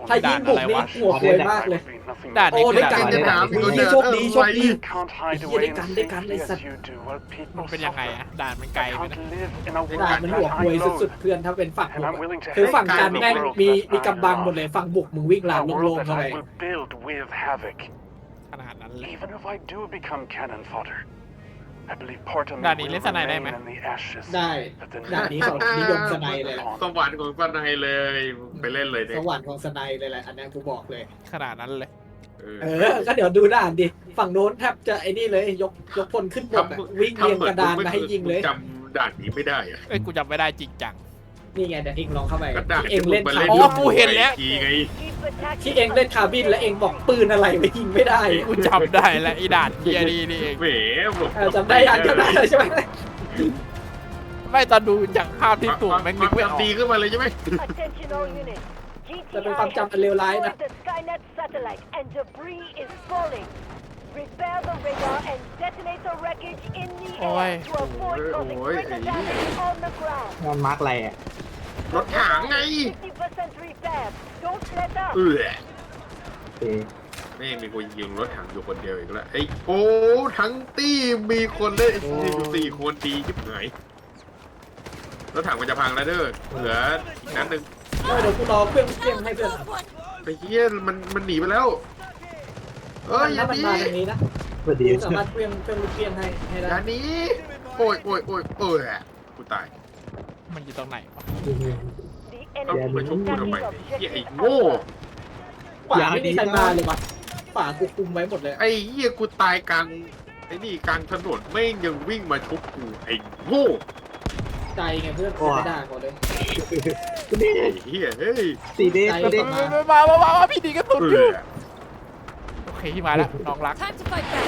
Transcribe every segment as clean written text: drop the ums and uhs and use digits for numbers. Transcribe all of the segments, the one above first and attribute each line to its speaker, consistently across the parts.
Speaker 1: ถ้ายิงบุกนี่หัวควยมากเลย
Speaker 2: ด่านนี้
Speaker 1: โอ้
Speaker 2: คือ
Speaker 1: ได้
Speaker 2: ด่าน
Speaker 1: กัน
Speaker 2: อะไร
Speaker 1: ได้
Speaker 2: วะ
Speaker 1: กันโชคดีโชคดีได้กันเลยสัตว์
Speaker 2: มันเป็นยังไงอะด่านมันไกลไหมนะ
Speaker 1: ด่านมันหัวควยสุดๆเพื่อนถ้าเป็นฝั่งบุกคือฝั่งกันแม่งมีกำบังหมดเลยฝั่งบุกมึงวิ่งลานโล่งๆเข้าไป
Speaker 2: ขนาดนั้นเลย
Speaker 3: ด่านนี้เล่นสไนได้ไหม
Speaker 1: ได้ด่านนี้เขานิยมสไนเลยแหละ
Speaker 4: สวรรค์ของสไนเลยไปเล่นเลยเนี่ย
Speaker 1: สวรรค์ของสไนเลยแหละอันนี้กูบอกเลย
Speaker 2: ขนาดนั้นเลย
Speaker 1: ก็เดี๋ยวดูด่านดิฝั่งโน้นแทบจะไอ้นี่เลยยกพลขึ้นบกวิ่งเรียงกระดานมาให้ยิงเลย
Speaker 4: จำด่านนี้ไม่ได้อะ
Speaker 2: เอ้ยกูจำไม่ได้จริงจัง
Speaker 1: นี่ไงเดี๋ยวเองลองเข้าไป
Speaker 4: ก็ด่าน
Speaker 1: ที่เองเล่นคา
Speaker 2: อ๋
Speaker 1: บิ
Speaker 2: อน กูเห็นแล้ว
Speaker 4: ทีไง
Speaker 1: ที่เองเล่นคาบินแล้วเองบอกปืนอะไรไม่ยิงไม่ได้
Speaker 2: กูจำได้แล้วไอ้ด่านเฮียนี่นี่เอง
Speaker 4: แหมบอก
Speaker 1: จำได้ยังจำได้เลยใช่ไหม
Speaker 2: ไม่ตอนดูจากภาพที่ตู่แม่งนึกไม่ออก
Speaker 4: ตีขึ้นมาเลยใช่ไหม
Speaker 1: จะเป็นความจำอันเลวร้ายนะ
Speaker 5: Repair the radar and detonate the wreckage in the air to avoid causing greater damage on the ground.
Speaker 6: งานมาร์กอะไรอ่ะ
Speaker 4: รถถังไง
Speaker 5: 50% repair. Don't let up.
Speaker 4: เออ
Speaker 6: โอเค
Speaker 4: แม่งมีคนยิงรถถังอยู่คนเดียวอีกแล้วไอ้โอ้ทั้งตี้มีคนเล่นอยู่4 คนดียิบหายรถถังมันจะพังแล้วเด้อเหลืออีกนัดหนึ่ง
Speaker 1: เดี๋ยวกูรอเครื่องให้เพื่อน
Speaker 4: ไอ้เหี้ยมันหนีไปแล้วอย่า
Speaker 1: มัน
Speaker 4: หนี
Speaker 1: มาตรงนี้นะ
Speaker 6: สวัสดี
Speaker 1: กูสามารถเครื่องลูกเกี้ยนให้
Speaker 4: อ
Speaker 1: ได้
Speaker 4: ย่าหนีโอ้ยกูตาย
Speaker 2: มันอยู่ตรงไหนวะ
Speaker 5: The
Speaker 4: เอา
Speaker 5: enemy
Speaker 4: ไปชุบกูทำไม
Speaker 5: attacking
Speaker 4: เนี่ยเหี้ยไอ้
Speaker 5: objective
Speaker 4: โง่
Speaker 5: Alpha.
Speaker 1: ป่าไม่มีใครมาเลยวะป่ากูคุมไว้หมดเลย
Speaker 4: ไอ้เหี้ยกูตายกลางไอ้นี่กลางถนนแม่งยังวิ่งมาชุบกูไอ้โง่
Speaker 1: ใจไงเพื่อนไม่ได้ก่อนเลย
Speaker 4: ไอ้เหี้ยเฮ้ย
Speaker 6: สีเดส
Speaker 1: ใจ
Speaker 6: สีเดส
Speaker 2: มาพี่ดีกระสุนอยู่โอเคพี่มาแล้วน้องรัก
Speaker 5: Time to fight back.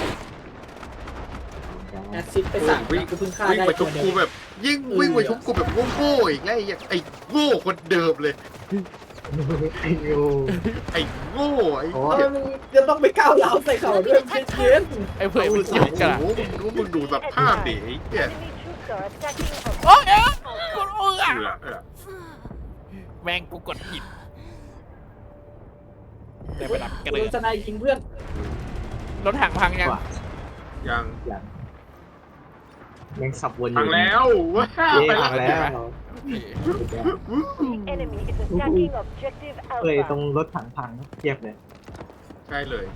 Speaker 1: แอดซิดไปสั่งกูเพิ่งฆ่า
Speaker 4: วิ่ง
Speaker 1: ได้
Speaker 4: มาชุ
Speaker 1: ตัว
Speaker 4: บ
Speaker 1: เดีย
Speaker 4: กู
Speaker 1: ว
Speaker 4: แบบยิ่งวิ่งมาชุบกูแบบโง่ๆอีกแล้วไอ้โง่คนเดิมเลย
Speaker 6: ไอ้ยู
Speaker 4: ไอ้โง่ไอ้
Speaker 6: โอ้
Speaker 4: เหี้ย
Speaker 1: มึงจะต้องไปก้าวร้าวใส่เขาด้วยเย็น
Speaker 2: ไอ้เพื่อนมันจุกกันอะ
Speaker 4: โอ้โหมึงดูสภาพดิไอ้เหี้ย
Speaker 5: Enemy troops are attacking
Speaker 2: โอ้ยกูรู้อ่ะ
Speaker 4: เออ
Speaker 2: แม่งกูกดผิดได้ไปดับกระ
Speaker 1: โด
Speaker 2: เดือน
Speaker 1: สไนยิงเพื่อน
Speaker 2: รถถังพังยัง
Speaker 4: ยัง
Speaker 6: อย่างแม่งขับวนอ
Speaker 4: พัง
Speaker 6: ยู่
Speaker 4: แล้วว้า
Speaker 6: เย่
Speaker 4: ไป
Speaker 6: พังแล้ว
Speaker 5: The enemy is attacking objective
Speaker 6: เคยตรง
Speaker 5: Alpha.
Speaker 6: รถถังพังเทียบเลย
Speaker 4: ใช่เลย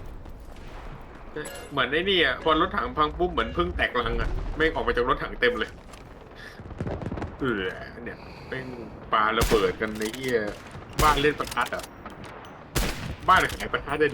Speaker 4: เหมือนไอ้นี่อ่ะพอรถถังพังปุ๊บเหมือนพึ่งแตกรังอ่ะแม่งออกมาจากรถถังเต็มเลยเนี่ยแม่งปาระเบิดกันในเหี้ยบ้านเล่นประทัดอ่ะบ้านขายประทัดได้ดิ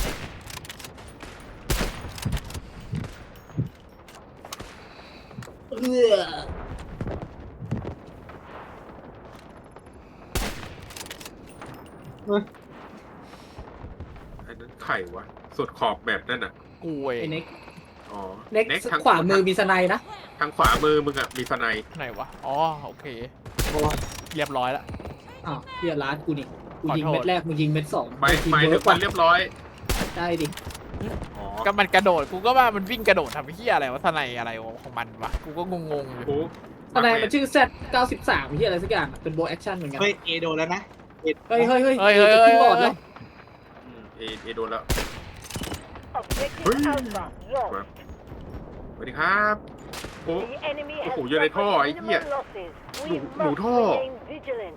Speaker 4: อันนั้นไข่วะสุดขอบแบบนั่นอ่ะ
Speaker 2: กูเอ
Speaker 1: ไอ้
Speaker 2: ง
Speaker 1: เน็ก
Speaker 4: อ๋อ
Speaker 1: เน็ก
Speaker 4: ทาง
Speaker 1: ขวามือมีสไนนะ
Speaker 4: ทางขวามือมึงอ่ะมีสไน
Speaker 2: ไหนวะอ๋อโอเค
Speaker 1: โอ้
Speaker 2: เรียบร้อยแล้ว
Speaker 1: อ้าวเฮียร้านกูนี่กูยิง
Speaker 2: ขอโทษ
Speaker 1: เม็ดแรกมึงยิงเม็ดสอง
Speaker 4: ไม่ถึงมันเรียบร้อย
Speaker 1: ได้ดิ
Speaker 4: อ๋อ
Speaker 2: ก็มันกระโดดกูก็ว่ามันวิ่งกระโดดทำไอ้เหี้ยอะไรวะทนายอะไรของมันวะกูก็งงๆอยู่
Speaker 4: โอ้
Speaker 1: สไนมันชื่อ Z93 เฮียอะไรสักอย่างเป็นโบแอคชั่นเหมือนกัน
Speaker 6: เฮ้ยเอโดนแล้วนะ
Speaker 1: เฮ้ย
Speaker 2: เฮ้ย
Speaker 1: ขึ้นบอร์ดแล้ว
Speaker 4: เอโดนแล้ว
Speaker 5: Objective
Speaker 4: Hey.
Speaker 5: Alpha lost.
Speaker 4: สวัสดีครับโอ้
Speaker 5: The enemy
Speaker 4: Oh,
Speaker 5: has
Speaker 4: you're at
Speaker 5: suffered
Speaker 4: all,
Speaker 5: minimal
Speaker 4: yeah.
Speaker 5: losses. We
Speaker 4: No,
Speaker 5: must
Speaker 4: no, no.
Speaker 5: remain vigilant.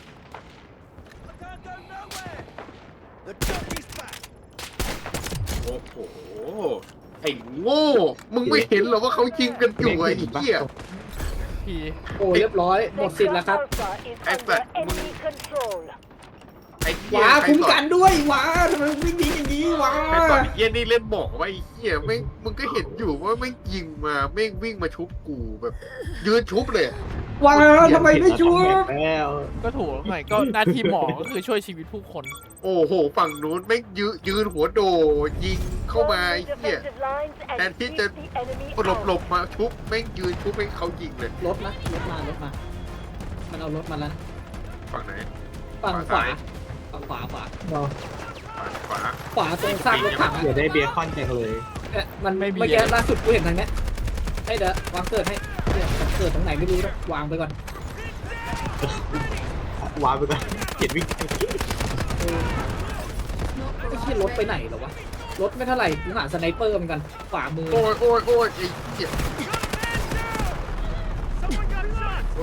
Speaker 4: โอ้โหไอ้โง่มึงไม่เห็นเหรอว่าเขายิงกันอยู่ไอ้เหี้ย
Speaker 2: พี่
Speaker 1: โอ้เรียบร้อยหมดสิทธิ์แล้วครับ
Speaker 5: Alpha is
Speaker 4: Hey,
Speaker 5: under
Speaker 4: but-
Speaker 5: enemy control.
Speaker 4: ไอ้เหี้ย
Speaker 1: ว้า
Speaker 4: ใคร
Speaker 1: คุ้ม
Speaker 4: สอ
Speaker 1: กันด้วยว้าทำไมมึงวิ่งหนีอย่างนี้ว้า
Speaker 4: ใครสอนไอ้เหี้ยนี่เล่นบอกว่าไอ้เหี้ยแม่งมึงก็เห็นอยู่ว่าแม่งยิงมาแม่งวิ่งมาชุบกูแบบ ยืนชุบเลย
Speaker 1: ว้าทำไมไม่ช่วย
Speaker 6: แล้ว
Speaker 2: ก็ถูกหน่อยก็หน้าที่หมอก็คือช่วยชีวิตผู้คน
Speaker 4: โอ้โหฝั่งนู้นแม่งยืนหัวโดยิงเข้ามาไอ้
Speaker 5: Form
Speaker 4: เหี้ย
Speaker 5: defensive lines and
Speaker 4: แทนที่
Speaker 5: keep
Speaker 4: จะ
Speaker 5: the enemy
Speaker 4: หลบ
Speaker 5: out.
Speaker 4: มาชุบแม่งยืนชุบให้เขายิงเลย
Speaker 1: รถนะรถมามันเอารถมาแล้ว
Speaker 4: ฝั่งไหน
Speaker 1: ฝั่งขวาฝั่งขวา
Speaker 4: ฝั่งขวา
Speaker 1: ขวาตรงซากรถถัง
Speaker 6: เดี๋ยวได้เบคอนจังเลย
Speaker 1: มันเมื่อกี้ล่าสุดกูเห็นทางเนี้ยให้เดี๋ยววางเกิดให้เกิดตรงไหนไม่รู้นะวางไปก่อน
Speaker 6: วางไปก่อนเขียนวิ่ง
Speaker 1: เออรถไปไหนเหรอวะรถไม่เท่าไหร่กูหาสไนเปอร์เหมือนกันขวามือ
Speaker 4: โอ้ยโอ้ยโอ้ยไอ้เหี้ยโอ้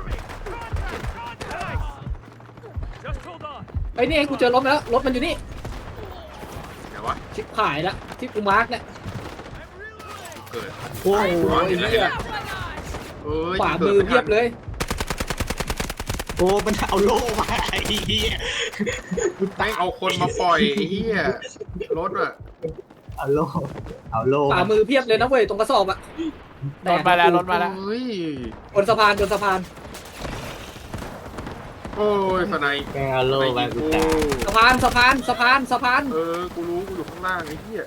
Speaker 1: ไอ้นี่กูเจอรถแล้วรถมันอยู่นี่
Speaker 4: ไหนวะ
Speaker 1: ชิบหายละที่กูมาร์กเนี่ย
Speaker 4: เกิด
Speaker 1: โอ้โหไอ้เหี้ย
Speaker 4: เอ้ย
Speaker 1: ขวามือเพียบเลย
Speaker 6: โอ้มันเอาโล่มาไอ้เหี้ย
Speaker 4: แม่งเอาคนมาปล่อยไอ้เหี้ยรถอะ
Speaker 6: เอาโล่เอาโล่
Speaker 1: ขวามือเพียบเลยนะเว้ยตรงกระสอบอะ
Speaker 2: รถมาแล้วรถมาแล้ว
Speaker 4: เฮ้ย
Speaker 1: บนสะพานบนสะพาน
Speaker 4: โอ้ยสไนป์
Speaker 6: แกเอาโล่มากูตาย
Speaker 1: สะพานสะพานสะพานสะพาน
Speaker 4: กูรู้กูอยู่ข้างล่างไอ้เหี้ย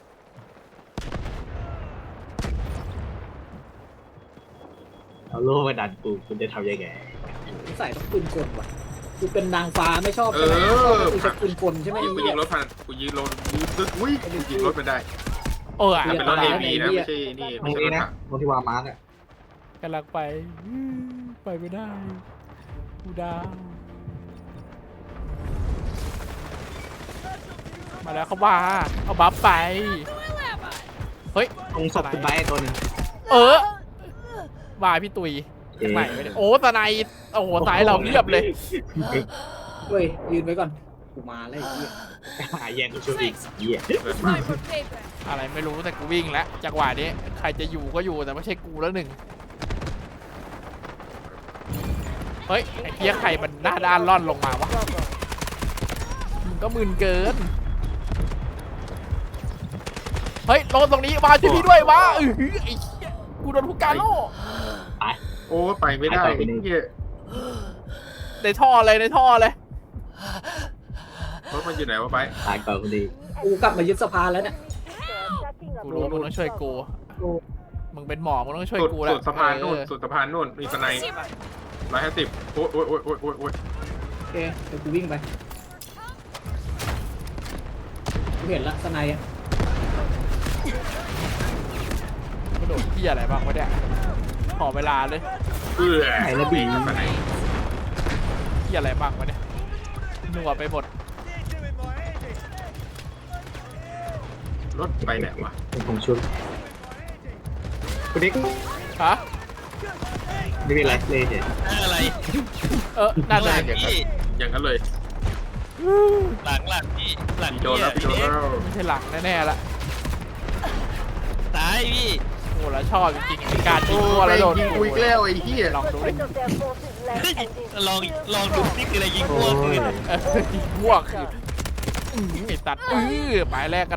Speaker 6: เอาโล่มาดันกูคุณจะทำยังไง
Speaker 1: ใส่ต้องปืนกลว่ะกูเป็นนางฟ้าไม่ชอบใช่ไหมกูจะปืนกลใช่ไหม
Speaker 4: กูยิงรถผ่านกูยิงรถตึ๊ดอุ้ยกูยิงรถมันได้
Speaker 2: เออ
Speaker 4: แต่เป็นรถ AV นะไม่ใช่นี่
Speaker 6: ตร
Speaker 4: ไม่
Speaker 6: ง
Speaker 4: ใช่ร
Speaker 6: นี้
Speaker 4: ถ
Speaker 6: นะ
Speaker 4: ถัง
Speaker 6: ตรงที่วางมาร์กอ่ะ
Speaker 2: กำลังไปไปไม่ได้กูดาวมาแล้วเขาว่าเอาบัฟไปเฮ้ย
Speaker 6: ตรงศพคุณไบร์ทตัวหนึง
Speaker 2: บายพี่ตุยใหม่ไม่ได้โอ้ตะไนโอ้โหสายเราเรียบเลย
Speaker 1: เฮ้ยยืนไว้ก่อนกูมาแล้วไอ้เหี้ย
Speaker 6: หาแย่งกูช่วยอีกเหี้ย
Speaker 2: อะไรไม่รู้แต่กูวิ่งแล้วจังหวะนี้ใครจะอยู่ก็อยู่แต่ไม่ใช่กูแล้วหนึ่งเฮ้ยไอ้เหี้ยใครมันหน้าด้านล่อนลงมาวะมึงก็มึนเกินเฮ้ยลงตรงนี้มาช่วยพี่ด้วยวะไอ้เหี้ยกูโดนผู้การโล่
Speaker 4: โอ้ไปไม่ได้ไอ้เหี้ย
Speaker 2: ในท่อเลยในท่อเลย
Speaker 4: รถมันอยู่ไหนวะไป
Speaker 6: ตายก่อนคนดี
Speaker 1: กูกลับมายึดสะพานแล้วเนี่ย
Speaker 2: กูรู้มึงต้องช่วยกูมึงเป็นหมอมึงต้องช่วย
Speaker 4: สุด
Speaker 2: กูแล้ว
Speaker 4: สุดสะพานนู่นสุดสะพานนู่นมีสไนป์150โอ้ยโอ้ยโอ้ยโอ้ยโอ้ยโอ้ย
Speaker 1: โอเคเดี๋ยวกูวิ่งไปกูเห็นละสไนด์อะ
Speaker 2: กระโดดที่อะไรบ้างวะเนี่ยขอเวลาเลย
Speaker 6: ไหนระบี
Speaker 4: สไนป์
Speaker 2: ที่อะไรบ้างวะเนี่ยหนัวไปหมด
Speaker 4: รถไปไหนวะ
Speaker 6: เป็นผมชุดคุณดิ๊ก
Speaker 2: ฮะ
Speaker 6: ไม่มีอะไรเลยเฉย
Speaker 7: อะไร
Speaker 2: น่าจะ
Speaker 4: อย่างนั้นเลย
Speaker 7: หลังพี่หลัง
Speaker 4: พี่โดนแล้วพี่โดนแล้ว
Speaker 2: ไม่ใช่หลังแน่ๆละ
Speaker 7: ตายพี่
Speaker 2: โอ้แล้วชอบจริงๆในการยิ
Speaker 4: โอ้
Speaker 2: งตัว
Speaker 4: ไป
Speaker 2: แล้วโดน
Speaker 4: ยิงกูอีกแล้วไอ้เหี้ย
Speaker 2: ลองดูดิ
Speaker 7: ลองดูนี่คืออะไรยิงพวกคือ
Speaker 2: ยิงพวกคือไอ้ตัดหมายแรกกัน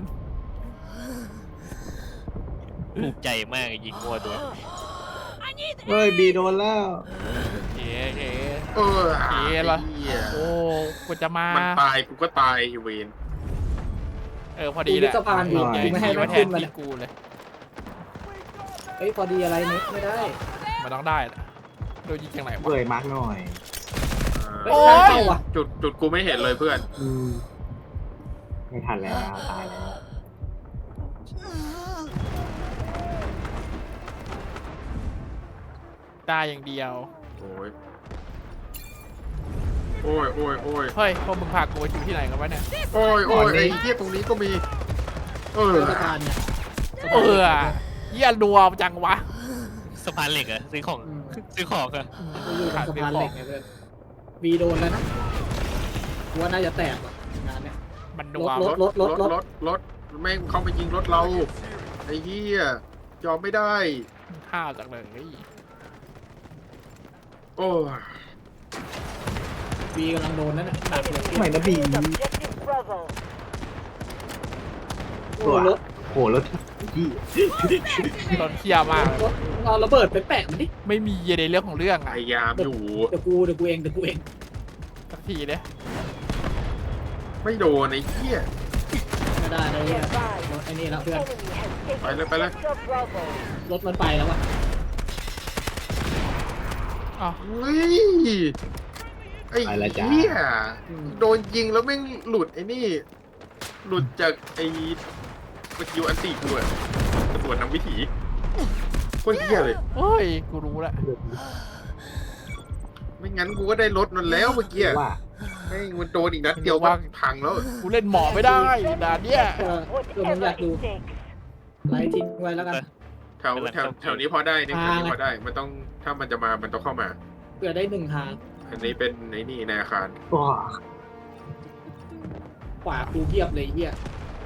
Speaker 7: ถูกใจมากยิงพวกตัว
Speaker 6: เฮ้ยบีโดนแล้ว
Speaker 2: เอ๋เอ๋
Speaker 4: เออ
Speaker 2: เอ๋เหรอ
Speaker 4: ไอ้เหี้ย
Speaker 2: โอ้กูจะมา
Speaker 4: มันตายกูก็ตายไอ้เวน
Speaker 2: พอดีแหละ
Speaker 1: กูยึดสะพานอยู่
Speaker 2: ใหญ่
Speaker 1: กูไม่ให้
Speaker 2: ที่
Speaker 1: มั
Speaker 2: มาน แท
Speaker 1: ขึ้
Speaker 2: น
Speaker 1: นมา
Speaker 2: ที่
Speaker 1: เนี่ย
Speaker 2: กูเลย
Speaker 1: เฮ้ยพอดีอะไรเนี่ยไม่ได้
Speaker 2: มันต้องได้แหละโดนยิงจากไหนวะ
Speaker 6: เบื่อมาร์กหน่อย
Speaker 1: เฮ้ย
Speaker 2: โอ้ย
Speaker 1: ทางเข้าว่ะ
Speaker 4: จุดกูไม่เห็นเลยเพื่อน
Speaker 6: ไม่ทันแล้วตายแล้ว
Speaker 2: ได้อย่างเดียว
Speaker 4: โอ้ยโอ้ยโอ้ยโอ้ย
Speaker 2: เฮ้ยพวกมึงพากูไปอยู่ที่ไหนกันวะเนี่ย
Speaker 4: โอ้ยโอ้ยไอ้เหี้ยตรงนี้ก็มี
Speaker 1: บนสะพานเนี่ยสะพาน
Speaker 2: เหี้ยรัวจังวะ
Speaker 7: สะพานเหล็กเหรอซื้อของ
Speaker 1: อืม
Speaker 7: ซื้อของเหรอ
Speaker 1: กูอยู่บนสะพานเหล็กไงเพื่อนวีโดนแล้วนะกูว่าน่าจะแตกว่ะงานเนี่ย
Speaker 2: มันนัว
Speaker 1: รถ
Speaker 4: รถแม่งเข้ามายิงรถเราไอ้เหี้ยยอมไม่ได้
Speaker 2: ข้าวจากเลย
Speaker 4: โอ้ย
Speaker 1: วีกำลังโดนนั่นน่ะหนักเลย
Speaker 6: ทำไมนะบี
Speaker 1: โอ้รถ
Speaker 6: โหรถพี่
Speaker 2: โดนเคี่ยมากเลย
Speaker 1: รถเอาระเบิดไปแปะมันดิ
Speaker 2: ไม่มีในเรื่องของเรื่อง
Speaker 4: พ
Speaker 2: อะ
Speaker 4: ยายามอยู่
Speaker 1: เดี๋ยวกูเอง
Speaker 2: สักทีเนี่ย
Speaker 4: ไม่โดนไอ้เหี้ย
Speaker 1: ไม่ได้เลยรถไอ้นี่แล้วเพื่อน
Speaker 4: ไปเลยไปเลย
Speaker 1: รถมันไปแล้วว่ะ
Speaker 2: อ้าว
Speaker 4: เฮ้ยไอ้เหี้ยโดนยิงแล้วแม่งหลุดไอ้นี่หลุดจากไอ้สกิลอันตีกูอะตำรวจทำวิถีโคตรเหี้ยเลย
Speaker 2: เฮ้ยกูรู้แล้ว
Speaker 4: ไม่งั้นกูก็ได้รถมันแล้วเมื่อกี้
Speaker 6: ว่า
Speaker 4: ไม่มันโดนอีกนัดเดียวก็พังแล้ว
Speaker 2: กูเล่นหมอไม่ได้ด่านเนี้ย
Speaker 1: มึงอยาก
Speaker 5: Whatever
Speaker 1: ดู
Speaker 5: it takes.
Speaker 1: ไลฟ์ทิ้งไว้แล้วกัน
Speaker 4: แถวนี้พอได้นี่แถวนี้พอได้มันต้องถ้ามันจะมามันต้องเข้ามา
Speaker 1: เพื่อได้1 ทาง
Speaker 4: อันนี้เป็นไอ้นี่ในอาคาร
Speaker 6: ว้า
Speaker 1: ขวากูเพียบเลยเฮีย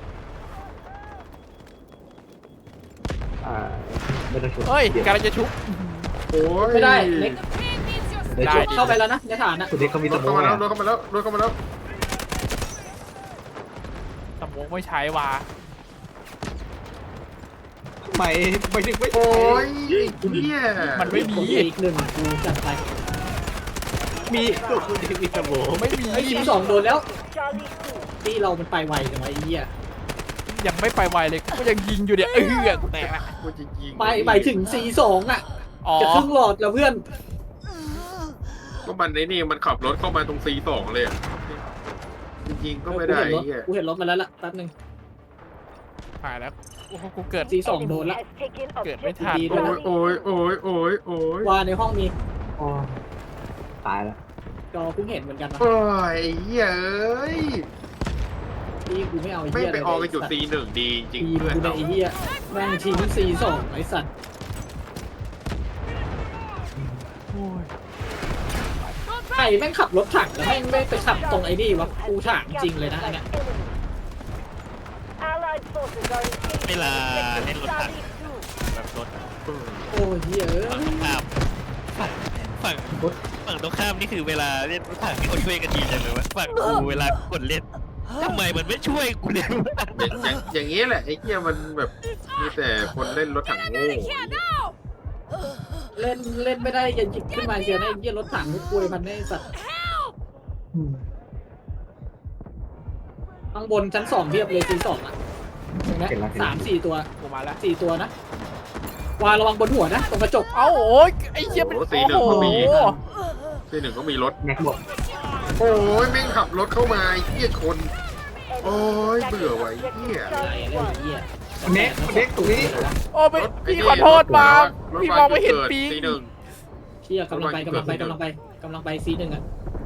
Speaker 6: ไม่ต้องชวน
Speaker 2: เฮ้ยกำลังจะชุบ
Speaker 4: โอ้ย
Speaker 1: ไม่ได้เล็ก
Speaker 6: ได้
Speaker 2: ได้
Speaker 6: ชวน
Speaker 1: เข้าไปแล้วนะในฐานนะ
Speaker 6: คุณเด็กเขามี
Speaker 4: ร
Speaker 6: ส
Speaker 4: ถ
Speaker 6: ม
Speaker 4: เข้า
Speaker 6: อง
Speaker 4: มาแล้ว
Speaker 6: อ่ะ
Speaker 4: รถเข้ามาแล้วรถเข้ามาแล้ว
Speaker 2: สมองไม่ใช้ว่ะ
Speaker 6: ทำไมถึงไม่
Speaker 4: โอ้ยเนี่ย
Speaker 2: มันไม่มี
Speaker 1: อีก1กูจัดไป
Speaker 6: มีตัวคุณเด็กมีสมอง
Speaker 2: ไม่มี
Speaker 1: ไอ้ทีสองโดนแล้ว
Speaker 5: Charlie 2.
Speaker 1: ที่เรามันไปไวจังวะไอ้เหี้ย
Speaker 2: ยังไม่ไปไวเลยกูยังยิงอยู่เนี่ยกูแตกละ
Speaker 4: กูจะยิง
Speaker 1: ไปถึง C2 อ่ะ
Speaker 2: อ๋อ
Speaker 1: จะครึ่งหลอดแล้วเพื่อน
Speaker 4: ก็มันไอ้นี่มันขับรถเข้ามาตรง C2 เลยอะจริงๆก็ไม่ได้ไอ้เหี้ย
Speaker 1: กูเห็นรถมาแล้วล่ะแป๊บนึง
Speaker 2: หายแล้วโอ้โหกูเกิด
Speaker 1: C2 โดน
Speaker 5: Enemy
Speaker 1: ละ
Speaker 5: has taken
Speaker 2: เกิดไม่
Speaker 5: objective
Speaker 2: ทัน
Speaker 1: ดี
Speaker 4: โอ้
Speaker 1: ด้วย
Speaker 4: ยโอ้ยโอ้ยโอ้ยโอ้ย
Speaker 1: ว่าในห้องมี
Speaker 6: ตายแล้ว
Speaker 1: จอเพิ่งเห็นเหมือนกันนะ
Speaker 4: โอ้ยไอ้เหี้ยเอ้ย
Speaker 1: ที่กูไม่เอาไอ้
Speaker 4: ไม่
Speaker 1: เหี้ย
Speaker 4: ไปออกกันจุด C1 ดีจริง
Speaker 1: ทีม
Speaker 4: เพื่อน
Speaker 1: กูใน
Speaker 4: เรา
Speaker 1: ไอ้เหี้ยแม่งทีมC2ไอ้สัตว์ใครแม่งขับรถถังแล้วแม่งไม่ไปขับตรงไอ้นี่วะกูถามจริงเลยนะอันเนี่ย
Speaker 5: Allied forces are engaged
Speaker 7: เวลา
Speaker 5: in
Speaker 7: เล่นรถถัง
Speaker 5: Charlie 2.
Speaker 7: แบบรถ
Speaker 1: โอ้ยเหี้ยเอ้ย
Speaker 7: ฝั่งตรงข้ามนี่คือเวลาเล่นรถถังที่เขาช่วยกันดีจังเลยวะฝั่งกูเวลากดเล่นทำไมมันไม่ช่วยกูเลยวะ
Speaker 4: อย่างนี้แหละไอ้เหี้ยมันแบบมีแต่คนเล่นรถถังโง่
Speaker 1: เล่นไม่ได้อย่าหยิบขึ้นมาเชียวนะไอ้เหี้ยรถถังกูกลัวมันไอ้สัตว์ข้างบนชั้น2เพียบเลยC2อ่ะเห็นไหม3-4 ตัว
Speaker 2: กูมาแล้ว
Speaker 1: 4 ตัวนะวางระวังบนหัวนะตรงกระจก
Speaker 2: เอ้าโอ้ยไอ้เหี้ยเป็น
Speaker 4: โอ้
Speaker 2: โอ้
Speaker 4: C1
Speaker 2: โห
Speaker 4: ก็มี C1 ก็มีรถ
Speaker 6: แม็กบอก
Speaker 4: โอ้ยแม่งขับรถเข้ามาไอ้เหี้ยชน โอ้ยเบื่อว่ะไอ้เหี้ย
Speaker 1: ไหนเลยไอ้เหี้ย
Speaker 6: เน็กตรงนี้
Speaker 2: โอ้ไปพี่ขอโทษบางพี่มองไม่เห็นปิง
Speaker 4: C1
Speaker 1: เชี่ยกำลังไปC1อ่ะ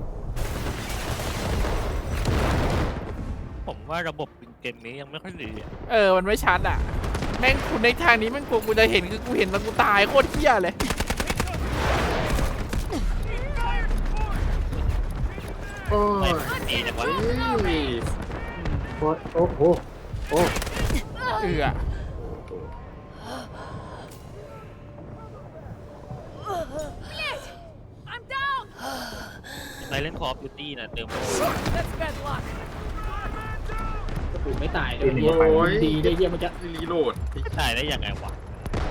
Speaker 7: ผมว่าระบบเกมนี้ยังไม่ค่อยดีอะ
Speaker 2: มันไม่ชัดอ่ะแม่งคุณในทางนี้แม่งกูจะเห็นคือกูเห็นแล้วกูตายโคตรเหี้ยเลย
Speaker 4: โอ้
Speaker 7: ไม่
Speaker 4: ย
Speaker 7: ดีจังวะ
Speaker 6: โอ้โหโอ้
Speaker 7: ในเล่นคอร์ฟบิวตี้นะเติม
Speaker 1: กูไม่ตายเลยเหี้ยดีได้เหี้ยมันจะ
Speaker 4: รีโหลด
Speaker 7: ถ่ายได้ยังไงวะ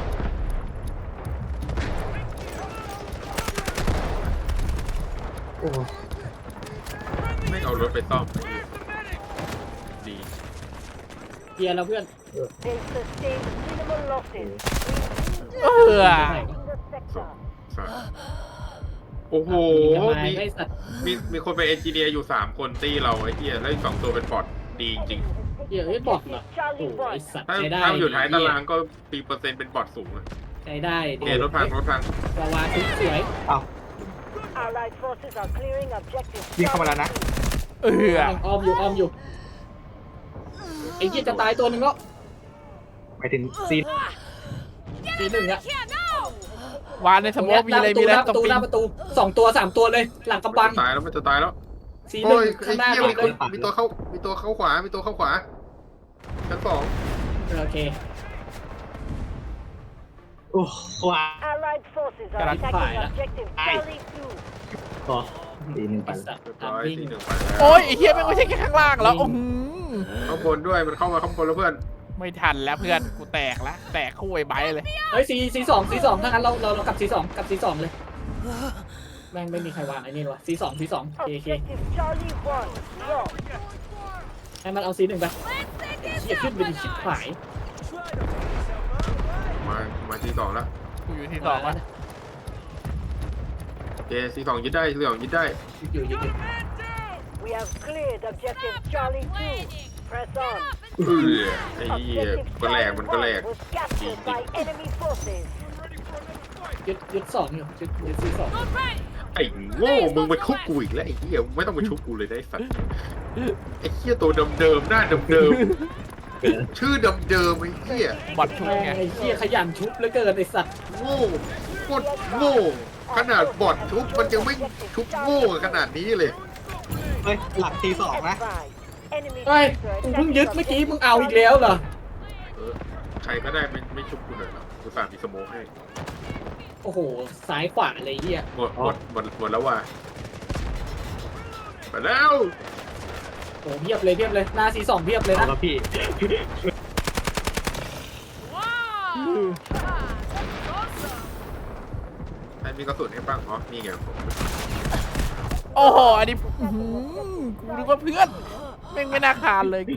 Speaker 6: โอ้
Speaker 4: ไม่เอารถไปซ่อมดี
Speaker 1: เกียร์แล้วเพื่อน
Speaker 5: They sustained minimal losses.
Speaker 2: เออ
Speaker 5: In the sector.
Speaker 4: สัตว์โอ้โห มี
Speaker 1: ไอ้สัตว์
Speaker 4: มีคนเป็นเอนจิเนียร์อยู่3 คนตีเราไอ้เหี้ยแล้วอีก2 ตัวเป็นบอทดีจริง
Speaker 1: เหี้ยเอ้ยบอทเหรอโอ้
Speaker 5: Charlie
Speaker 1: ไอ้
Speaker 5: 1.
Speaker 1: สัตว์
Speaker 4: ถ้า
Speaker 1: ใช้ได้
Speaker 4: อยู่ท้ายตารางก็ปีเปอร์เซ็นต์เป็นบอทสูงอะ
Speaker 1: ใช้ได้
Speaker 4: เดี๋ยวรถพัง
Speaker 1: วาวาทุกสวย
Speaker 5: Allied forces are clearing objective
Speaker 6: วิ่งเข้ามาแล้วนะ
Speaker 1: อ้อมอยู่ไอ้เหี้ยจะตายตัวหนึ่งแล้ว
Speaker 6: ไปถึงซีน
Speaker 1: C1อ่ะ
Speaker 2: วานในสมองมีอะไรมีอะไร
Speaker 1: หน้าประตูหน้าประตู2 ตัว 3 ตัวเลยหลังกำบัง
Speaker 4: ตายแล้วมันจะตายแล้ว
Speaker 1: C1
Speaker 4: โอ้ย
Speaker 1: ข้า
Speaker 4: ไอ้
Speaker 1: งหน้า
Speaker 4: เหี้ย
Speaker 1: เลย
Speaker 4: มีตัวเข้าขวาชั้น 2
Speaker 1: โอเค
Speaker 6: โอ้ว้า
Speaker 5: Allied forces are
Speaker 1: Cannot
Speaker 5: attacking
Speaker 1: fire.
Speaker 5: objective Charlie 2.
Speaker 6: ต่อซีน
Speaker 1: ไอ้สัตว์
Speaker 4: เรียบร้อย
Speaker 1: วิ่ง
Speaker 4: ที่1ไปแล้ว
Speaker 2: โอ้ยไอ้เหี้ยแม่งไม่ใช่แค่ข้างล่างแล้ว
Speaker 4: ข้างบนด้วยมันเข้ามาข้างบนแล้วเพื่อน
Speaker 2: ไม่ทันแล้วเพื่อนกูแตกแล้วแตกคู่ไอ้ไบร์ทเลย
Speaker 1: เฮ้ย C2 ถ้างั้นเรากลับ C2 เลยแม่งไม่มีใครวางไอ้นี่หรอ C2 เค
Speaker 5: Objective Charlie 1. Lost.
Speaker 1: ให้มันเอา C1 ไปเหี้ยขึ้นไปดิชิบหาย
Speaker 4: มาที่2แล้ว
Speaker 2: กูอยู่ที่สองวะ
Speaker 4: ที่2ยึดได้ที่2ยึดได้
Speaker 1: อยู่
Speaker 5: We have cleared objective Charlie 2. Press on.
Speaker 4: ไอ้เหี้ย
Speaker 5: Objective
Speaker 4: ก็แหลก
Speaker 5: Charlie
Speaker 4: มันก็แหลก
Speaker 5: 1 was captured by enemy forces.
Speaker 1: ยึด2อยู่ยึด C2
Speaker 4: ไอ้โง่มึงไปชุบกูอีกแล้วไอ้เหี้ยมึงไม่ต้องไปชุบกูเลยได้สัตว์ไอ้เหี้ยตัวเดิมๆหน้าเดิมๆชื่อเดิมๆไอ้เหี้ย
Speaker 2: บอดชุบ
Speaker 1: แม่ง
Speaker 2: ไง
Speaker 1: ไอ้เหี้ยขยันชุบเหลือเกินไอ้สัตว์
Speaker 4: โง่โคตรโง่ขนาดบอดชุบมันยังไม่ชุบโง่ขนาดนี้เลย
Speaker 6: เฮ้ยหลักทีสองนะ
Speaker 5: Enemy
Speaker 1: เฮ้ย
Speaker 5: sector
Speaker 1: กูเพิ่งยึดเมื่อกี้มึงเอาอีกแล้วเหรอ
Speaker 4: ใครก็ได้ไม่ชุบกูหน่อยหรอกูสามีสโมกให้
Speaker 1: โอ้โหซ้ายขวาเลยเหี้ย
Speaker 4: หมดแล้วว่ะมาแล้ว
Speaker 1: โอ้เพียบเลยหน้าC2เพียบเลย
Speaker 6: เอา
Speaker 1: นะ
Speaker 6: ละพี่
Speaker 4: ใครมีกระสุนให้บ้างอ๋อนี่ไงผม
Speaker 2: โอ้โหอันนี้อื้อหือกูนึกว่าเพื่อนแม่งไม่น่าคานเลยกู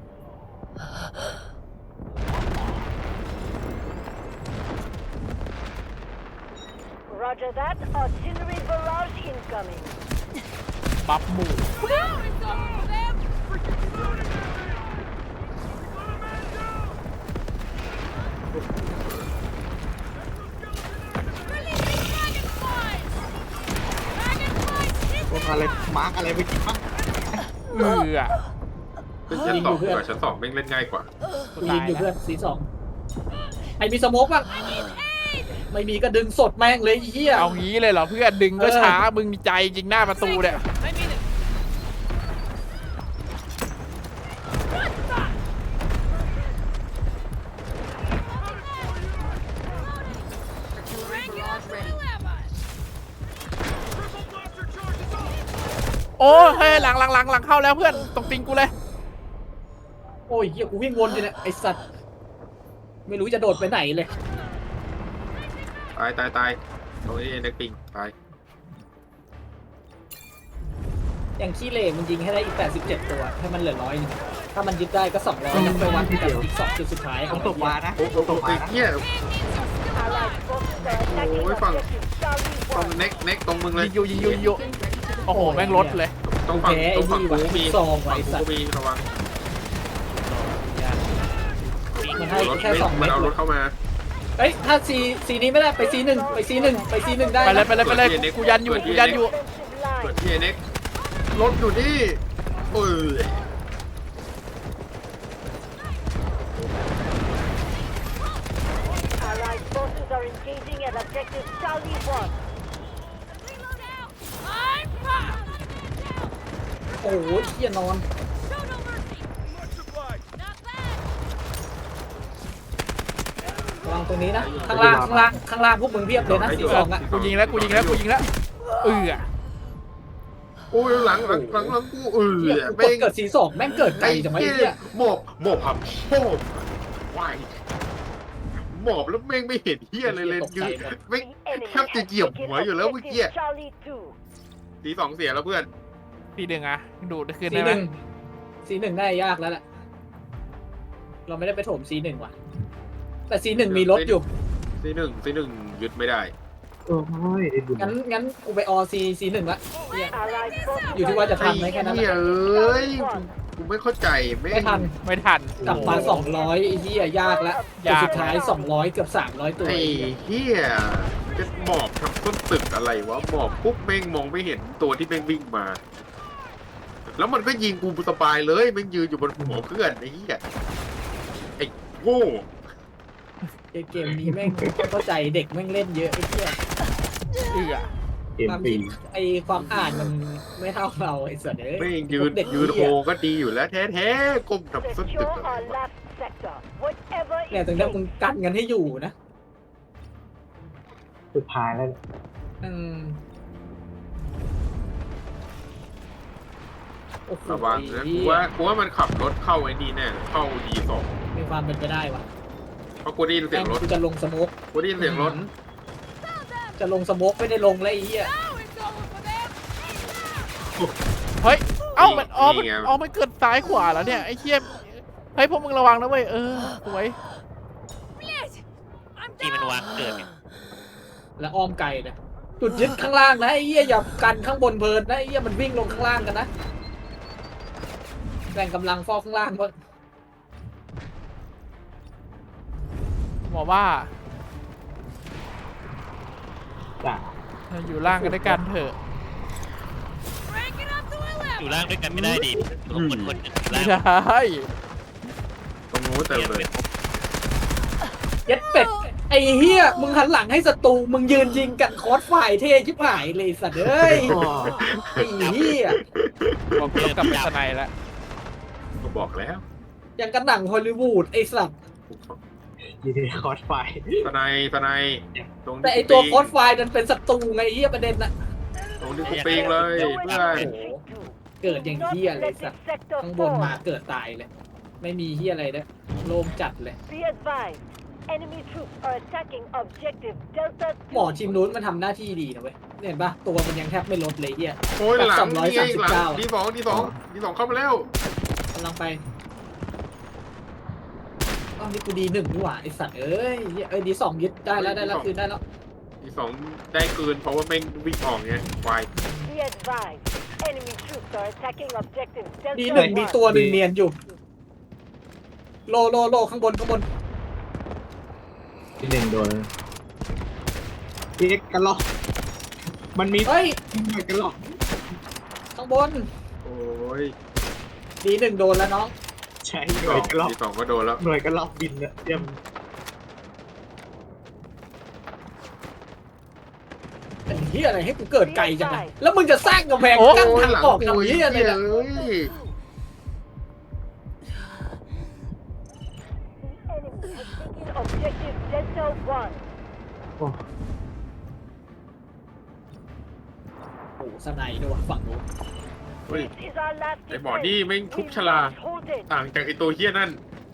Speaker 5: Roger that. Artillery barrage incoming.
Speaker 2: บัฟหมู่
Speaker 6: พวกอะไรมาร์กอะไรไปกินบ้าง
Speaker 2: เอือ
Speaker 4: ขึ้นชั้นสองดีกว่าชั้นสองแม่งเล่นง่ายกว่า
Speaker 1: กูยิงอยู่เพื่อนC2ไอ้มีสโมกบ้างไม่มีก็ดึงสดแม่งเลยไอ้เหี้ย
Speaker 2: เอางี้เลยเหรอเพื่อนดึงก็ช้ามึงมีใจจริงหน้าประตูเนี่ย โอ้เฮ้ยหลังเข้าแล้วเพื่อนตรงปิงกูเลย
Speaker 1: โอ้ยเหี้ยกูวิ่งวนอยู่เนี่ยไอ้สัตว์ไม่รู้จะโดดไปไหนเลย
Speaker 4: ตายตรงนี้เน็กปิงตาย
Speaker 1: อย่างขี้เหร่มันยิงให้ได้อีก87ตัวให้มันเหลือ100นึงถ้ามันยึดได้ก็200แล้วไปวัดกับอีก2จุดสุดท้าย
Speaker 6: ต้องตกมานะ
Speaker 4: โอ้โห
Speaker 6: ตกมา
Speaker 4: ไอ้
Speaker 6: นะ
Speaker 4: เหี้ย
Speaker 5: Allied forces are attacking
Speaker 4: Ôi, phẳng.
Speaker 5: objective Charlie
Speaker 4: ตรง
Speaker 5: 1.
Speaker 4: เน็กตรงมึงเลย
Speaker 2: ยิงอยู่โอ้โหแม่งลดเลย
Speaker 4: ตรงฝั่ง
Speaker 1: แพ้
Speaker 4: ตรงฝั่ง
Speaker 1: ไอ้
Speaker 4: กู
Speaker 1: นี่
Speaker 4: มี
Speaker 1: ว่ะซองไว้
Speaker 4: ฝั่ง
Speaker 1: สัต
Speaker 4: กู
Speaker 1: ว์
Speaker 4: มีระวัง
Speaker 1: มันให้
Speaker 4: รถ
Speaker 1: แค่2
Speaker 4: มั
Speaker 1: เม็
Speaker 4: น
Speaker 1: ด
Speaker 4: เอารถเข้ามา
Speaker 1: เอ้ยถ้าซีนี้ไม่ได้ไปซี1ไปซี1ได้
Speaker 2: ไปเลย
Speaker 1: นะ
Speaker 2: ไปเลยกูยันอยู่
Speaker 5: Defensive
Speaker 4: เปิด
Speaker 5: line.
Speaker 4: ที่เน็กรถอยู่นี่เออ
Speaker 5: Allied forces are engaging at objective Charlie 1.
Speaker 1: โอ้โหเหี้ยนอนระวังตรงนี้นะข้างล่างพวกมึงเพียบเลยนะC2อ่ะ
Speaker 2: กูยิงแล้วเอือ
Speaker 4: โอ้ยหลังกูเออ
Speaker 1: เหี้ยกูกดเกิดC2แม่งเกิดไกลจังวะไอ้เหี้ย
Speaker 4: หมอบครับโอ้วายหมอบแล้วแม่งไม่เห็นเหี้ยอะไรเลยยืนแม่ง
Speaker 5: The enemy
Speaker 4: แทบจะเหยียบ
Speaker 5: has
Speaker 4: หัว
Speaker 5: taken
Speaker 4: อยู่แล้วเมื่อกี้
Speaker 5: objective Charlie 2.
Speaker 4: ทีสองเสียแล้วเพื่อน
Speaker 2: พี่ดึงอ่ะดูดคืน
Speaker 1: ซี
Speaker 2: ได้ไหม
Speaker 1: C1 ได้ยากแล้วแหละเราไม่ได้ไปโถมC1ว่ะแต่C1มีรถอยู่
Speaker 4: ซีหนึ่งยึดไม่ได้
Speaker 6: โอ้ยไอ้บุญ
Speaker 1: งั้นกูไปC1ละเหี้ย
Speaker 5: Allied forces
Speaker 1: อยู่ที่ว่าจะทันไหมแค่นั้นแห
Speaker 4: เหี้ย
Speaker 1: ละ
Speaker 4: เอ้ยกูไม่เข้าใจแม่ง
Speaker 1: ไม่ทัน
Speaker 2: ไม่ทัน
Speaker 1: กลับมา200ไอ้เหี้ยยากแล้ว
Speaker 2: ยาก
Speaker 1: สุดท้าย200เกือบ300ตัว
Speaker 4: ไอ้เหี้ยจะหมอบทำต้นตึกอะไรวะหมอบปุ๊บแม่งมองไม่เห็นตัวที่แม่งวิ่งมา แล้วมันก็ยิงกูสบายเลยแม่งยืนอยู่บนหัวเพื่อนไอ้เหี้ยไอ้โง่
Speaker 1: เกมนี้แม่งเข้าใจเด็กแม่งเล่นเยอะไอ้เหี้ย
Speaker 2: เอือ
Speaker 6: เกม
Speaker 1: ความ
Speaker 6: ฟรี
Speaker 1: คิดไอ้ความอ่านมันไม่เท่าเราไอ้สัตว์เอ้ย
Speaker 4: แม่งยืน
Speaker 1: เด็ก
Speaker 4: ยืนโฮก็ดีอยู่แล้วแท้ๆก้มทำต้นตึก
Speaker 5: secure
Speaker 4: อะไร
Speaker 5: our
Speaker 4: วะ
Speaker 5: last sector. Whatever
Speaker 1: เนี่ย
Speaker 5: it
Speaker 1: ถึงได้มึง
Speaker 5: takes.
Speaker 1: กันกันให้อยู่นะ
Speaker 6: สุดท้ายแล้ว
Speaker 1: อืมโอ้โห
Speaker 4: ระวังนะกูว่ามันขับรถเข้าไอ้นี่แน่เข้า D2
Speaker 1: มีความเป็นไปได้วะ
Speaker 4: เพราะกูได้ยินเสียงรถ
Speaker 1: กูจะลงสโมก
Speaker 4: กูได้ยินเสียงรถ
Speaker 1: จะลงสโมกไม่ได้ลงแล้วไอ้เหี้ย
Speaker 2: เฮ้ยเอ้ามันมันเกิดซ้ายขวาแล้วเนี่ยไอ้เหี้ยเฮ้ยพวกมึงระวังนะเว้ยสวย
Speaker 7: ที่มันวางเกิดเนี่ย
Speaker 1: แล้วอ้อมไกลนะจุดยึดข้างล่างนะไอ้เหี้ยอย่ากันข้างบนเพลินนะไอ้เหี้ยมันวิ่งลงข้างล่างกันนะแบ่งกำลังฟอกข้างล่างเพื่อ
Speaker 2: หมอว่า
Speaker 6: จ้ะ
Speaker 2: เราอยู่ล่างกันด้วยกันเถอะ
Speaker 7: อยู่ล่างด้วยกันไม่ได้ดิตัวคนคนหนึ่ง
Speaker 2: ไม่
Speaker 7: ล่าง
Speaker 2: ได้
Speaker 4: ตรงนู้นเต็มเลย
Speaker 1: เย็ดเป็ดไอ้เฮียมึงหันหลังให้ศัตรูมึงยืนยิงกันคอร์สไฟเท่ชิบหายเลยสัตว์เอ้ยไอ้เฮีย
Speaker 2: ผมต้องกลับไปสไนแล้ว
Speaker 4: ก็บอกแล้ว
Speaker 1: อย่างกันหนังฮอลลีวูดไอ้สัตว์
Speaker 6: ดีดีคอร์สไฟ
Speaker 4: สไนตรง
Speaker 1: แต่
Speaker 4: นี้
Speaker 1: ไอ้ตัวคอร์สไฟนั้นเป็นศัตรูไงไอ้เฮียประเด็นน่ะ
Speaker 4: ตรงนี้กูปิงเลยเพื่อน
Speaker 1: เกิดอย่างเฮียเลยสัตว์ข้างบนมาเกิดตายเลย ไม่มีเฮียอะไรนะโล่งจัดเลย
Speaker 5: Be advised, enemy troops are attacking objective Delta
Speaker 1: หมอทีมนู้นมันทำหน้าที่ดีนะเว้ยเห็นปะตัวมันยังแทบไม่ลดเลยเฮีย
Speaker 4: โอ้ยหลังนี่ไงหลัง
Speaker 1: 239
Speaker 4: ดีสองเข้ามาแล้ว
Speaker 1: กำลังไปอ้าวนี่กูดีหนึ่งนี่หว่าไอสัตว์เอ้ยเอ้ยดีสองยึดได้แล้วคืนได้แล้ว
Speaker 4: ดีสองได้เกินเพราะว่าแม่งวิ่งออกไงควาย
Speaker 5: Be advised, enemy troops are attacking objective
Speaker 1: ดี
Speaker 5: Delta
Speaker 1: หนึ่งมี
Speaker 5: 1.
Speaker 1: ตัวหนึ่งเนียนอยู่โลข้างบน
Speaker 6: ที่หนึ่งโดนเอ็กกันหรอกมันมี
Speaker 1: เฮ้ย
Speaker 6: หน่วยกันหรอก
Speaker 1: ข้างบน
Speaker 4: โอ้ย
Speaker 1: ดีหนึ่งโดนแล้วน้อง
Speaker 6: ใช่หน่วยกันหรอก
Speaker 4: ดีสองก็โดนแล้ว
Speaker 6: หน่วยกันหรอกบินเนี่ยเตรียม
Speaker 1: เป็นเฮียอะไรให้กูเกิดไกลจังอะแล้วมึงจะสร้างกำแพง
Speaker 2: โอ้
Speaker 1: กั้นทางออกทำเฮียอะไรเนี่ย
Speaker 4: เอ้ย
Speaker 5: The enemy has taken objective Delta 1.
Speaker 6: โอ้
Speaker 1: โอ้โหสไนด์ด้วยว่ะฝั่งนู้น
Speaker 4: เฮ้ย
Speaker 5: This is our last
Speaker 4: ไอ้หมอ
Speaker 5: defense.
Speaker 4: นี่แม่งทุบฉลาด
Speaker 5: Hold it.
Speaker 4: ต่างจากไอ้ตัวเฮี้ยนั่น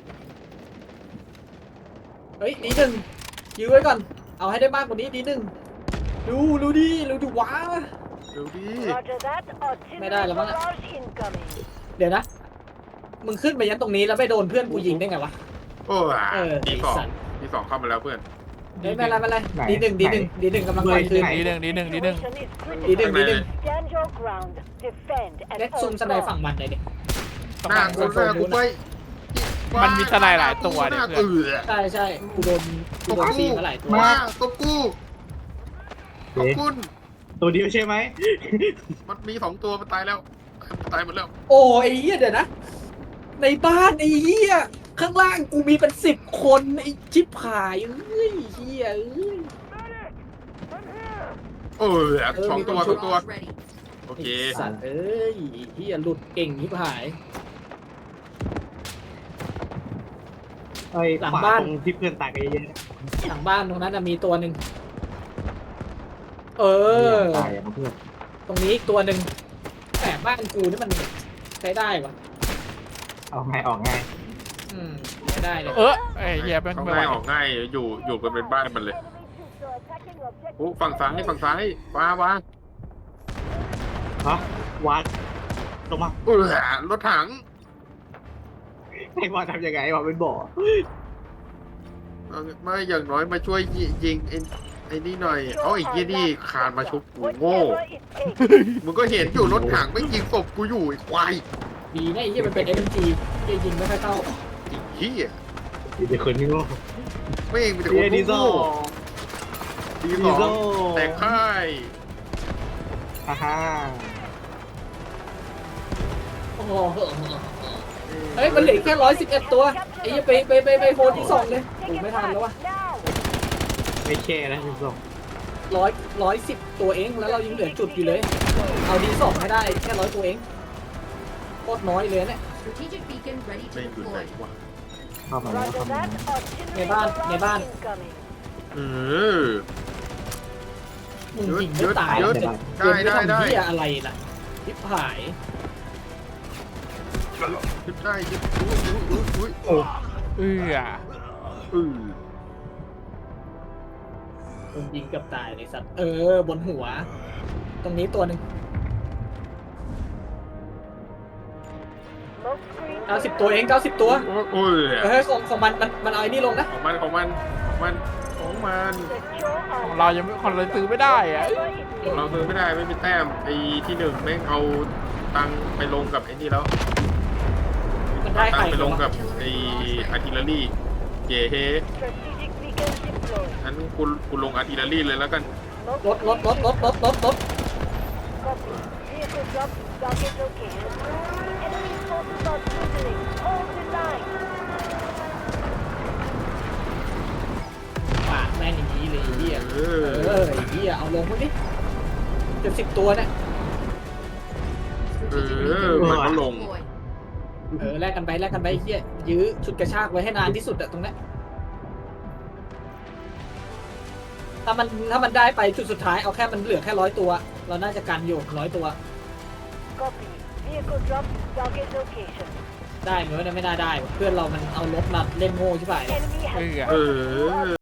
Speaker 1: เฮ้ยดีหนึ่งยื้อไว้ก่อนเอาให้ได้มากกว่านี้ดีหนึ่งดูดิว้า
Speaker 4: เดี๋ยวดิ
Speaker 5: Roger that.
Speaker 1: ไม่ได้
Speaker 5: Artillery
Speaker 1: แล้วมั้งอะ
Speaker 5: barrage incoming.
Speaker 1: เดี๋ยวนะ มึงขึ้นไปยันตรงนี้แล้วไม่โดนเพื่อนกูยิงได้ไงวะ
Speaker 4: โอ้ย
Speaker 1: เออ
Speaker 4: ดีสอง
Speaker 1: ไอ้สัตว์
Speaker 4: ดีสองเข้ามาแล้วเพื่อน
Speaker 1: ไม่เป็นไรดีหนึ่งกำลังไปคืน
Speaker 2: ดีหนึ่ง
Speaker 5: Situation is
Speaker 1: ดีหนึ่
Speaker 5: critical.
Speaker 1: งดีหนึ่ง
Speaker 5: Stand your ground. Defend at
Speaker 1: เล็ก
Speaker 5: all
Speaker 1: ซุ่มสไนด์ฝั่ง
Speaker 5: costs.
Speaker 1: มันเลยดิ
Speaker 2: ต้อง
Speaker 4: หน้า
Speaker 2: มา
Speaker 4: กูหน้ากูไป
Speaker 2: มันมีทนายหลายตัวเนี่ย
Speaker 4: หน้า
Speaker 2: เพื่อน
Speaker 4: เอือ
Speaker 1: ใช่กูโดนซีมาหลายตัว
Speaker 4: มาตัวกูขอบคุณ
Speaker 6: ตัวเดียวใช่ไหม
Speaker 4: มันมีสองตัวมันตายแล้วมันตายหมดแล้ว
Speaker 1: โอ้ไอ้เหี้ยเดี๋ยวนะ ในบ้านไอ้เหี้ยข้างล่างกูมีเป็น10 คนไอ้ชิบหายเอ้ยเหี้ยเอ้ย
Speaker 4: เออสองตัวโอเค
Speaker 1: ไอ้สัตว์เอ้ยเหี้ยหลุดเก่งชิบหาย
Speaker 6: ไอ้
Speaker 1: หลัง
Speaker 6: ขวา
Speaker 1: บ้าน
Speaker 6: ตรงที่เพื่อนตายกันเยอะ
Speaker 1: หลังบ้านตรงนั้นนะมีตัวหนึ่งเอ
Speaker 6: ๆ
Speaker 1: อ
Speaker 6: ตายอะเพื่อน
Speaker 1: ตรงนี้อีกตัวหนึ่งแต่บ้านกูนี่มันใช้ได้วะ
Speaker 6: เอาไงออกไง
Speaker 1: ไม่ได้เลย
Speaker 2: ไอ้เหี้ยแม่ง
Speaker 4: เขา
Speaker 2: ไม่ไหว
Speaker 4: ง่ายออกง่ายอยู่กันเป็นบ้านมันเลย
Speaker 5: Enemy troops are attacking objective
Speaker 4: โอ้ฝั่งซ้ายว้า
Speaker 6: ฮะวัดลงมา
Speaker 4: รถถัง
Speaker 6: ให้ว่าทำยังไงวะเป็นบ่อ
Speaker 4: ไม่อย่างน้อยมาช่วยยิงไอ้นี่หน่อยเอาไอ้ยี่นี่คานมาชุบกูโง่
Speaker 5: Whatever it takes.
Speaker 4: มึงก็เห็นอยู่รถถังไม่ยิงศพกูอยู่ไอ้ควาย
Speaker 1: ดีนะไอ้เหี้ยมันเป็น SMG ที่ยิงไม่ค่อยเข้า
Speaker 4: ไอ้เหี้ย
Speaker 6: ดีแต่คนนี้โง่
Speaker 4: ไม่เองมีแต่ค
Speaker 6: เดี
Speaker 4: น
Speaker 6: ดีโซ
Speaker 4: โง่ดีสองแต่ค่าย
Speaker 6: ฮ่าฮ่า
Speaker 1: โอ้โหเฮ้ยมันเหลือแค่111 ตัวไอ้เหี้ยไปโฮที่2เลยโอ้ไม่ทันแล้ววะ
Speaker 5: Now.
Speaker 6: ไม่แค่นะคุณผู้ชม
Speaker 1: 110 ตัวเองแล้วเรายังเหลือจุดอยู่เลย เอาดี2ให้ได้แค่100 ตัวเองโคตรน้อยเลยเนี่ย
Speaker 8: Strategic beacon ready
Speaker 4: ไม่
Speaker 8: to
Speaker 4: อยู่ไหน
Speaker 8: deploy.
Speaker 4: วะ
Speaker 6: เข้ามาแล้ว
Speaker 5: Roger
Speaker 6: เข้ามา
Speaker 5: that.
Speaker 6: แล้ว
Speaker 5: Artillery
Speaker 1: Neban.
Speaker 5: barrage incoming.
Speaker 4: เออ
Speaker 1: มึงยิงไม่ตาย
Speaker 4: เยอะ
Speaker 1: จะ
Speaker 4: ได้
Speaker 1: เดิน
Speaker 4: ได้
Speaker 1: ไปทำเหี้ยอะไรล่ะทิพหาย
Speaker 4: ยึดได้ยึดอุ้ย
Speaker 2: เอื้อ
Speaker 1: มึงยิงเกือบตายเลยสัตว์บนหัว ตรงนี้ตัวหนึ่ง
Speaker 5: Smoke screen.
Speaker 1: 90 ตัวเอง90 ตัว
Speaker 4: โอ้ย
Speaker 1: ของมันเอาไอ้นี่ลงนะ
Speaker 4: ของมัน
Speaker 5: Secure
Speaker 2: ของเรายังไม่ของเราซื้อไม่ได้อะ
Speaker 4: เราซื้อไม่ได้ไม่มีแต้มไอ้ที่หนึ่งแม่งเอาตังค์ไปลงกับไอ้นี่แล้ว
Speaker 1: มันได้
Speaker 4: ตั
Speaker 1: ใครง
Speaker 4: ค์ไปลงกับไอ้อาร์ติเลอรี่เย่เฮ
Speaker 5: Strategic beacon deployed.
Speaker 4: งั้นกูลงอาร์ติเลอรี่เลยแล้วกัน
Speaker 1: รถ
Speaker 5: Copy. Vehicle drop to target location. Enemy forces are dwindling. Hold the line.
Speaker 1: ปากแม่งอย่างนี้เลยไอ้เหี้ย
Speaker 4: เอ
Speaker 1: ไอ้เหี้ยเอาลงพวกนี้เกือบ10 ตัวเนี่ย
Speaker 4: มันก็ลง
Speaker 1: แลกกันไปไอ้เหี้ยยื้อชุดกระชากไว้ให้นานที่สุดอะตรงเนี้ยถ้ามันได้ไปจุดสุดท้ายเอาแค่มันเหลือแค่100 ตัว เราน่าจะกันอยู่100 ตัว
Speaker 5: Copy. Vehicle drop to target location.
Speaker 1: ได้ไหมวะเนี่ยไม่น่าได้ว่ะเพื่อนเรามันเอารถมาเล่นโง่ใช่ป่ะ
Speaker 5: Enemy has
Speaker 2: เออ
Speaker 4: เออ